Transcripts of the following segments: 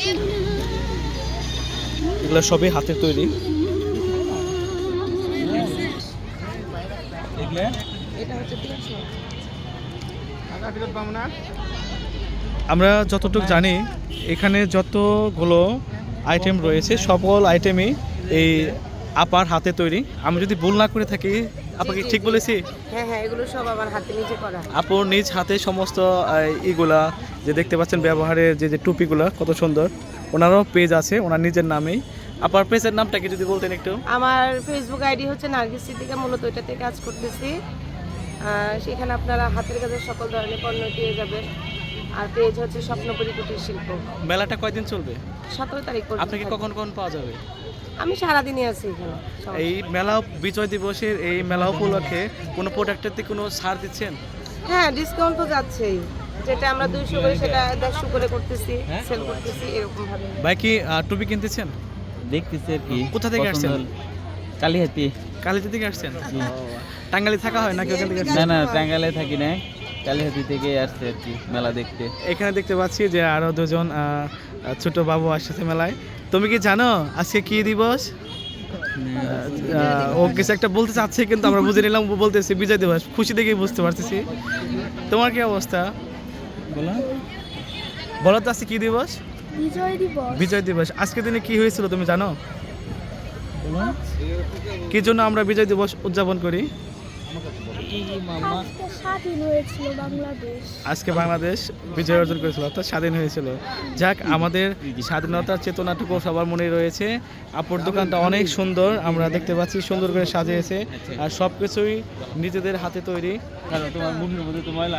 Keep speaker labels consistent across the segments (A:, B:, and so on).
A: এগুলো সবই হাতের তৈরি। আমরা যতটুকু জানি এখানে যতগুলো আইটেম রয়েছে সকল আইটেমই এই আপার হাতে তৈরি। আমি যদি ভুল না করে থাকি, আপনাকে ঠিক বলেছি?
B: হ্যাঁ হ্যাঁ, এগুলো সব আমার হাতে নিজে করা।
A: আপুর নিজ হাতে সমস্ত ইগুলা যে দেখতে পাচ্ছেন, ব্যবহারের যে টুপিগুলা কত সুন্দর। ওনারও পেজ আছে ওনার নিজের নামেই। আপনার পেজের নামটা কি যদি বলতেন একটু?
B: আমার ফেসবুক আইডি হচ্ছে নার্গিস সিদ্দিকা, মূলত ওইটাতে কাজ করতেছি। সেখানে আপনারা হাতের কাজের সকল ধরনের পণ্য পেয়ে যাবেন। আর পেজ হচ্ছে স্বপ্নপুরী কুটির শিল্প।
A: মেলাটা কয়দিন চলবে?
B: 17 তারিখ পর্যন্ত।
A: আপনাকে কখন কখন পাওয়া যাবে?
B: আমি সারাদিনই আছি এখানে।
A: এই মেলা বিজয় দিবসের এই মেলা উপলক্ষে কোনো প্রোডাক্টের কোনো ছাড় দিচ্ছেন?
B: হ্যাঁ, ডিসকাউন্ট তো যাচ্ছেই। যেটা আমরা 200 করে সেটা 150 করে করতেছি, সেল করতেছি এরকম ভাবে।
A: ভাই কি টুপি কিনতেছেন?
C: দেখতেছি আর কি।
A: কোথা থেকে আসছেন?
C: কালিহাতি।
A: কালিহাতি থেকে আসছেন? টাঙ্গাইলে থাকা হয় নাকি ওখান থেকে?
C: না না, টাঙ্গাইলে থাকি না, কালিহাতি থেকে আসছে আর কি মেলা দেখতে।
A: এখানে দেখতে পাচ্ছি যে আরো দুজন ছোট বাবু আসছে মেলায়। তুমি কি জানো আজকে কি দিবস? ও কিছু একটা বলতে চাচ্ছে কিন্তু আমরা বুঝে নিলাম বলতেছি বিজয় দিবস। খুশি দেখেই বুঝতে পারতেছি। তোমার কি অবস্থা বলো? বলো তো আজকে কি দিবস?
D: বিজয় দিবস।
A: বিজয় দিবস। আজকের দিনে কি হয়েছিল তুমি জানো? কি জন্য আমরা বিজয় দিবস উদযাপন করি?
D: আজকে স্বাধীন হয়েছিল বাংলাদেশ।
A: আজকে বাংলাদেশ বিজয় অর্জন করেছিল, অর্থাৎ স্বাধীন হয়েছিল। যাক, আমাদের স্বাধীনতার চেতনাটুকু সবার মনে রয়েছে। আপুর দোকানটা অনেক সুন্দর, আমরা দেখতে পাচ্ছি সুন্দর করে সাজিয়েছে, আর সব কিছুই নিজেদের হাতে তৈরি।
C: কারণ তোমার মুখের মধ্যে তো ময়লা।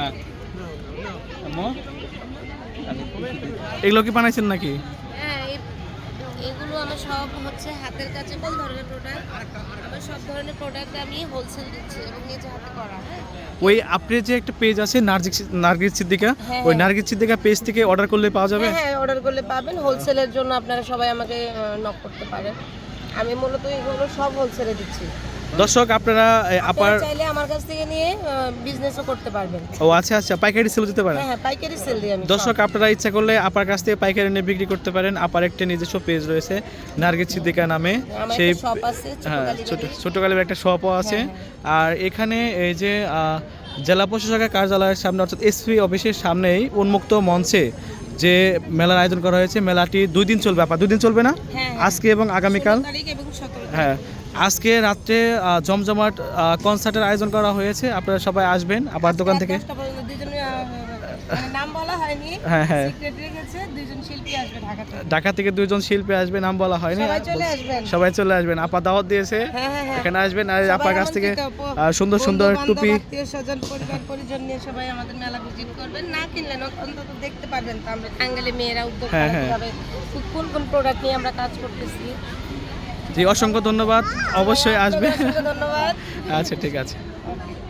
A: এগুলো কি বানাইছেন নাকি?
B: হ্যাঁ, এগুলো আমার সব হচ্ছে হাতের কাছে। কোন ধরনের প্রোডাক্ট? আমার সব ধরনের প্রোডাক্ট আমি হোলসেল দিচ্ছি এবং নিজে হাতে করা। হ্যাঁ,
A: ওই আপনার যে একটা পেজ আছে নার্গিস সিদ্দিকা,
B: হ্যাঁ,
A: ওই নার্গিস সিদ্দিকা পেজ থেকে অর্ডার করলে পাওয়া যাবে?
B: হ্যাঁ অর্ডার করলে পাবেন। হোলসেলের জন্য আপনারা সবাই আমাকে নক করতে পারেন। আমি মূলত এগুলো সব হোলসেলে দিচ্ছি।
A: দর্শক আপনারা আপার
B: চাইলে আমার কাছ থেকে নিয়ে বিজনেসও করতে পারবেন।
A: ও আচ্ছা আচ্ছা, পাইকারি সেল দিতে পারেন?
B: হ্যাঁ, পাইকারি সেল দিই আমি।
A: দর্শক আপনারা ইচ্ছা করলে আপার কাছ থেকে পাইকারি নিয়ে বিক্রি করতে পারেন। আপার একটা নিজস্ব পেজ রয়েছে নার্গিস সিদ্দিকা নামে, সেই
B: শপ আছে,
A: ছোট কালীর একটা শপও আছে। আর এখানে এই যে জেলা প্রশাসকের কার্যালয়ের সামনে, অর্থাৎ এসপি অফিসের সামনেই উন্মুক্ত মঞ্চে যে মেলার আয়োজন করা হয়েছে, মেলাটি 2 দিন চলবে। আপা 2 দিন চলবে না? আজকে এবং আগামীকাল। হ্যাঁ, আজকে রাত্রে জমজমাট কনসার্টের আয়োজন করা হয়েছে। আপনারা সবাই আসবেন আপার দোকান থেকে।
B: নাম বলা হয়নি।
A: হ্যাঁ হ্যাঁ,
B: সেক্রেটারি গেছে, 2জন শিল্পী আসবে ঢাকা থেকে।
A: ঢাকা থেকে 2জন শিল্পী আসবে, নাম বলা হয়নি। সবাই চলে আসবেন। আপা দাওয়াত দিয়েছে, এখানে আসবেন। আর আপার কাছ থেকে সুন্দর সুন্দর টুপি,
B: আত্মীয়স্বজন, পরিবার পরিজন নিয়ে সবাই আমাদের মেলা ভিজিট করবেন। না কিনলে অন্তত দেখতে পারবেন তো আমরা টাঙ্গাইলে মেয়েরা উদ্যোগ কিভাবে কোন কোন প্রোডাক্ট নিয়ে আমরা কাজ করতেছি।
A: জি, অসংখ্য ধন্যবাদ। অবশ্যই আসবে।
B: ধন্যবাদ।
A: আচ্ছা, ঠিক আছে।